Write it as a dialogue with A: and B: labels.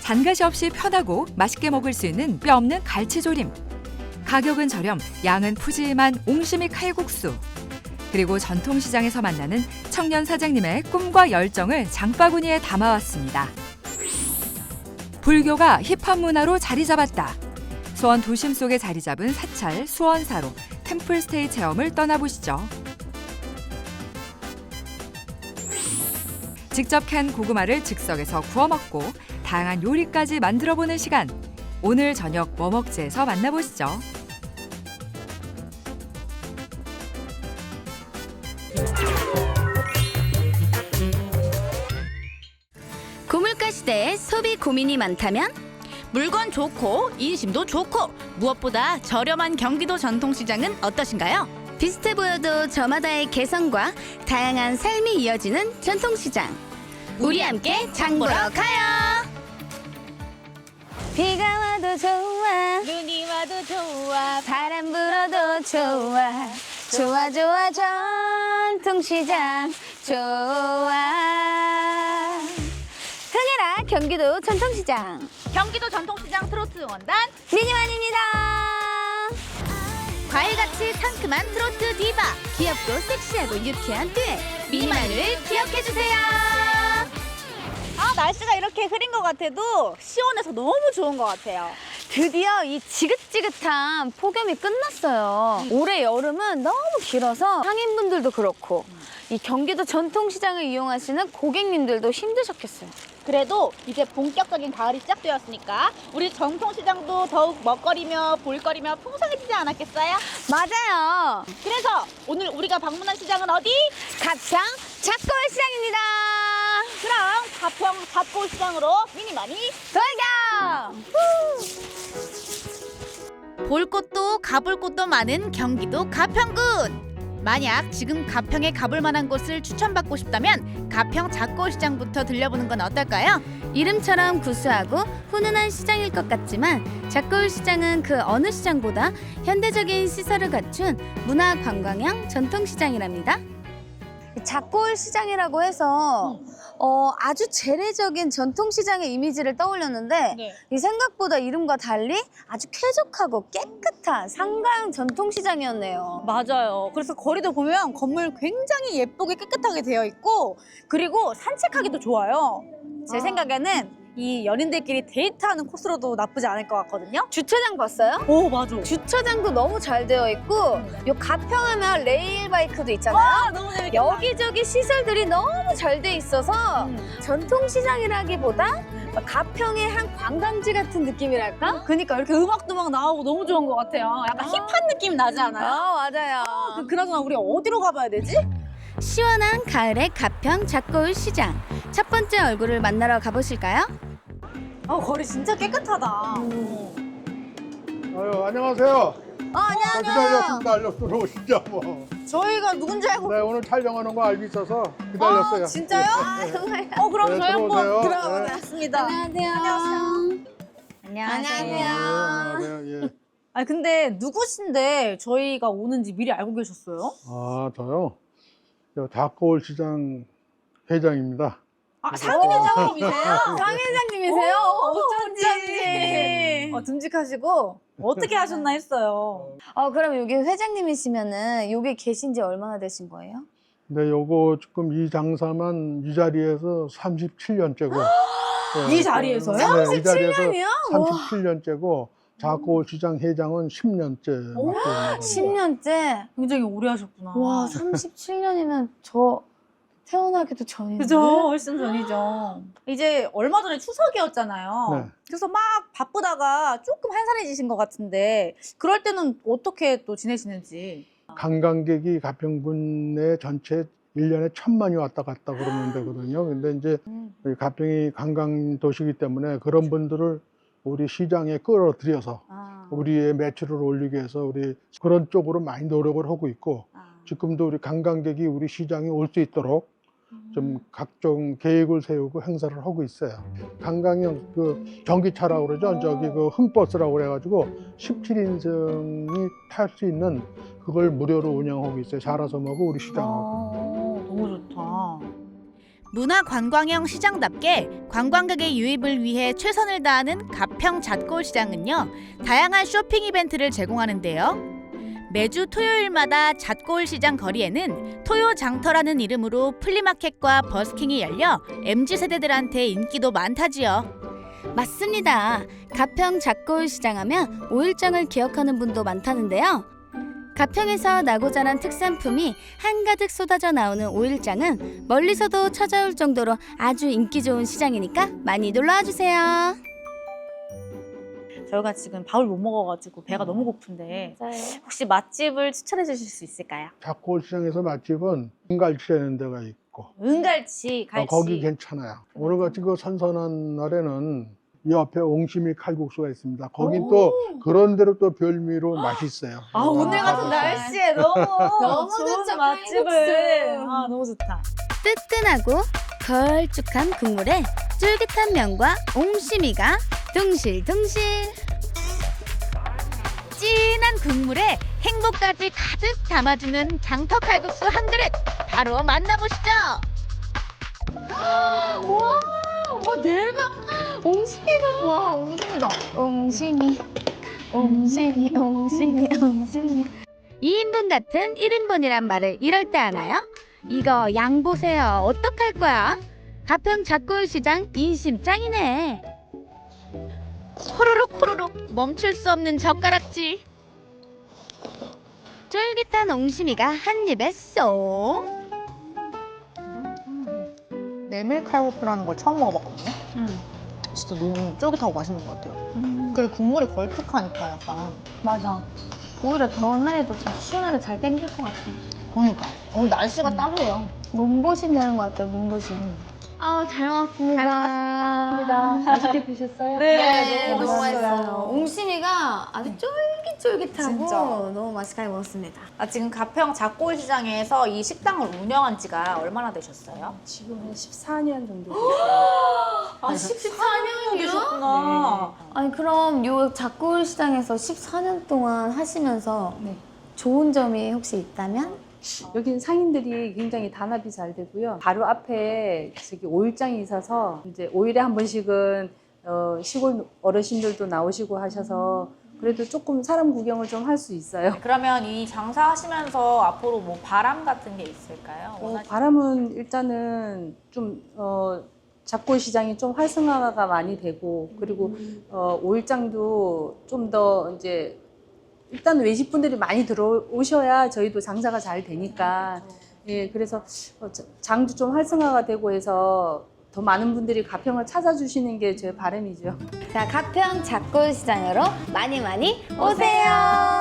A: 잔가시 없이 편하고 맛있게 먹을 수 있는 뼈 없는 갈치조림. 가격은 저렴, 양은 푸짐한 옹심이 칼국수. 그리고 전통시장에서 만나는 청년 사장님의 꿈과 열정을 장바구니에 담아왔습니다. 불교가 힙합 문화로 자리 잡았다. 수원 도심 속에 자리 잡은 사찰 수원사로 템플스테이 체험을 떠나보시죠. 직접 캔 고구마를 즉석에서 구워 먹고 다양한 요리까지 만들어보는 시간. 오늘 저녁 뭐 먹지에서 만나보시죠.
B: 고물가 시대에 소비 고민이 많다면
C: 물건 좋고 인심도 좋고 무엇보다 저렴한 경기도 전통시장은 어떠신가요?
B: 비슷해 보여도 저마다의 개성과 다양한 삶이 이어지는 전통시장. 우리 함께 장 보러 가요. 비가 와도 좋아,
C: 눈이 와도 좋아.
B: 바람 불어도 좋아, 좋아 좋아 전통시장 좋아. 흥해라 경기도 전통시장.
C: 경기도 전통시장 트로트 응원단
B: 미니만입니다.
C: 과일같이 상큼한 트로트 디바, 귀엽고 섹시하고 유쾌한 듀엣 미니만을 기억해주세요. 날씨가 이렇게 흐린 것 같아도 시원해서 너무 좋은 것 같아요.
B: 드디어 이 지긋지긋한 폭염이 끝났어요. 올해 여름은 너무 길어서 상인분들도 그렇고 이 경기도 전통시장을 이용하시는 고객님들도 힘드셨겠어요.
C: 그래도 이제 본격적인 가을이 시작되었으니까 우리 전통시장도 더욱 먹거리며 볼거리며 풍성해지지 않았겠어요?
B: 맞아요.
C: 그래서 오늘 우리가 방문한 시장은 어디?
B: 가평 작골시장입니다.
C: 그럼 가평 잡고시장으로 미니만이
B: 돌격!
C: 볼 곳도 가볼 곳도 많은 경기도 가평군. 만약 지금 가평에 가볼 만한 곳을 추천받고 싶다면 가평 작고시장부터 들려보는 건 어떨까요?
B: 이름처럼 구수하고 훈훈한 시장일 것 같지만 작골시장은 그 어느 시장보다 현대적인 시설을 갖춘 문화관광형 전통시장이랍니다. 작골시장이라고 해서 아주 재래적인 전통시장의 이미지를 떠올렸는데
C: 네.
B: 이 생각보다 이름과 달리 아주 쾌적하고 깨끗한 상가형 전통시장이었네요.
C: 맞아요. 그래서 거리도 보면 건물 굉장히 예쁘게 깨끗하게 되어 있고 그리고 산책하기도 좋아요. 제 생각에는 이 연인들끼리 데이트하는 코스로도 나쁘지 않을 것 같거든요.
B: 주차장 봤어요?
C: 오, 맞아.
B: 주차장도 너무 잘 되어 있고 요 가평하면 레일바이크도 있잖아요.
C: 너무 재밌겠다.
B: 여기저기 시설들이 너무 잘 돼 있어서 전통시장이라기보다 가평의 한 관광지 같은 느낌이랄까?
C: 그러니까 이렇게 음악도 막 나오고 너무 좋은 것 같아요. 약간 힙한 느낌 나지 않아요?
B: 맞아요.
C: 그나저나 우리 어디로 가봐야 되지?
B: 시원한 가을의 가평 작고울 시장. 첫 번째 얼굴을 만나러 가보실까요?
C: 거리 진짜 깨끗하다.
D: 아유, 안녕하세요.
B: 안녕하세요.
D: 기다렸어, 들어오시죠, 뭐.
C: 저희가 누군지 알고.
D: 네, 오늘 촬영하는 거 알고 있어서 기다렸어요.
C: 진짜요?
B: 정말.
C: 그럼
D: 네,
C: 저희 한번
D: 들어오세요.
C: 들어보겠습니다.
B: 안녕하세요.
D: 안녕하세요. 예.
C: 아니 근데 누구신데 저희가 오는지 미리 알고 계셨어요?
D: 아, 저요? 저 닭거울 시장 회장입니다.
C: 상인회장님이세요?
B: 상회장님이세요?
C: 어쩐지. 듬직하시고 어떻게 하셨나 했어요.
B: 그럼 여기 회장님이시면은 여기 계신 지 얼마나 되신 거예요?
D: 근데 요거 지금 이 장사만 이 자리에서 37년째고.
C: 이 자리에서요?
D: 네, 이 자리에서
B: 37년이요?
D: 37년째고, 닭거울 시장 회장은 10년째 맡고 있는
B: 10년째?
C: 굉장히 오래 하셨구나.
B: 와, 37년이면 저 태어나기도 전인데?
C: 그죠? 훨씬 전이죠. 이제 얼마 전에 추석이었잖아요.
D: 네.
C: 그래서 막 바쁘다가 조금 한산해지신 것 같은데 그럴 때는 어떻게 또 지내시는지.
D: 관광객이 가평군 내 전체 1년에 1,000만이 왔다 갔다 그러면 되거든요. 근데 이제 우리 가평이 관광 도시이기 때문에 그런 분들을 우리 시장에 끌어들여서 우리의 매출을 올리기 위해서 우리 그런 쪽으로 많이 노력을 하고 있고, 지금도 우리 관광객이 우리 시장에 올 수 있도록 좀 각종 계획을 세우고 행사를 하고 있어요. 관광형 그 전기차라고 그러죠. 저기 그 흥버스라고 그래가지고 17인승이 탈 수 있는 그걸 무료로 운영하고 있어요. 자라섬하고 우리 시장하고.
C: 너무 좋다.
E: 문화관광형 시장답게 관광객의 유입을 위해 최선을 다하는 가평 잣골시장은요, 다양한 쇼핑 이벤트를 제공하는데요. 매주 토요일마다 잣골시장 거리에는 토요장터라는 이름으로 플리마켓과 버스킹이 열려 MZ세대들한테 인기도 많다지요.
B: 맞습니다. 가평 잣골시장 하면 오일장을 기억하는 분도 많다는데요. 가평에서 나고 자란 특산품이 한가득 쏟아져 나오는 오일장은 멀리서도 찾아올 정도로 아주 인기 좋은 시장이니까 많이 놀러와 주세요.
C: 저희가 지금 밥을 못 먹어가지고 배가 너무 고픈데 혹시 맛집을 추천해 주실 수 있을까요?
D: 잣골시장에서 맛집은 은갈치라는 데가 있고
C: 은갈치, 갈치.
D: 거기 괜찮아요. 오늘같이 그 선선한 날에는 이 옆에 옹심이 칼국수가 있습니다. 거긴 또 그런 대로 또 별미로 맛있어요.
C: 아, 오늘 같은 날씨에 너무
B: 너무
C: 좋은
B: 좋죠,
C: 맛집을.
B: 칼국수.
C: 아, 너무 좋다.
B: 뜨끈하고 걸쭉한 국물에 쫄깃한 면과 옹심이가 둥실둥실.
E: 진한 국물에 행복까지 가득 담아주는 장터 칼국수 한 그릇 바로 만나보시죠.
B: 대박! 옹심이가 와, 옹심이다. 옹심이, 옹심이, 옹심이, 옹심이. 2인분 같은 1인분이란 말을 이럴 때 하나요? 이거 양 보세요. 어떡할 거야? 가평 잣골시장 인심 짱이네.
E: 호로록 호로록 멈출 수 없는 젓가락질.
B: 쫄깃한 옹심이가 한 입에 쏙.
F: 메밀 칼국수라는 걸 처음 먹어봤거든요. 진짜 너무 쫄깃하고 맛있는 것 같아요. 그리고 국물이 걸쭉하니까 약간.
B: 맞아. 오히려 더운 날에도 좀 시원하게 잘 땡길 것 같아.
F: 그러니까. 오늘 날씨가 따뜻해요.
B: 몸보신 되는 것 같아요, 몸보신. 아, 잘 먹었습니다.
C: 맛있게 드셨어요?
B: 네,
C: 너무
B: 너무
C: 맛있어요.
B: 맛있어요. 옹심이가 아주 쫄깃쫄깃하고
C: 진짜.
B: 너무 맛있게 먹었습니다.
C: 아, 지금 가평 잣골시장에서 이 식당을 운영한 지가 얼마나 되셨어요?
G: 지금 한 14년 정도
C: 아, 14년이요? 되셨구나.
B: 아니, 그럼 요 잣골시장에서 14년 동안 하시면서
G: 네.
B: 좋은 점이 혹시 있다면?
G: 여기는 상인들이 굉장히 단합이 잘 되고요. 바로 앞에 저기 오일장이 있어서 이제 5일에 한 번씩은 시골 어르신들도 나오시고 하셔서 그래도 조금 사람 구경을 좀 할 수 있어요.
C: 그러면 이 장사하시면서 앞으로 뭐 바람 같은 게 있을까요?
G: 바람은 일단은 좀 잣골 시장이 좀 활성화가 많이 되고 그리고 오일장도 좀 더 이제 일단 외식분들이 많이 들어오셔야 저희도 장사가 잘 되니까 예, 그래서 장도 좀 활성화가 되고 해서 더 많은 분들이 가평을 찾아주시는 게 제 바람이죠.
B: 자, 가평 잣골시장으로 많이 많이 오세요.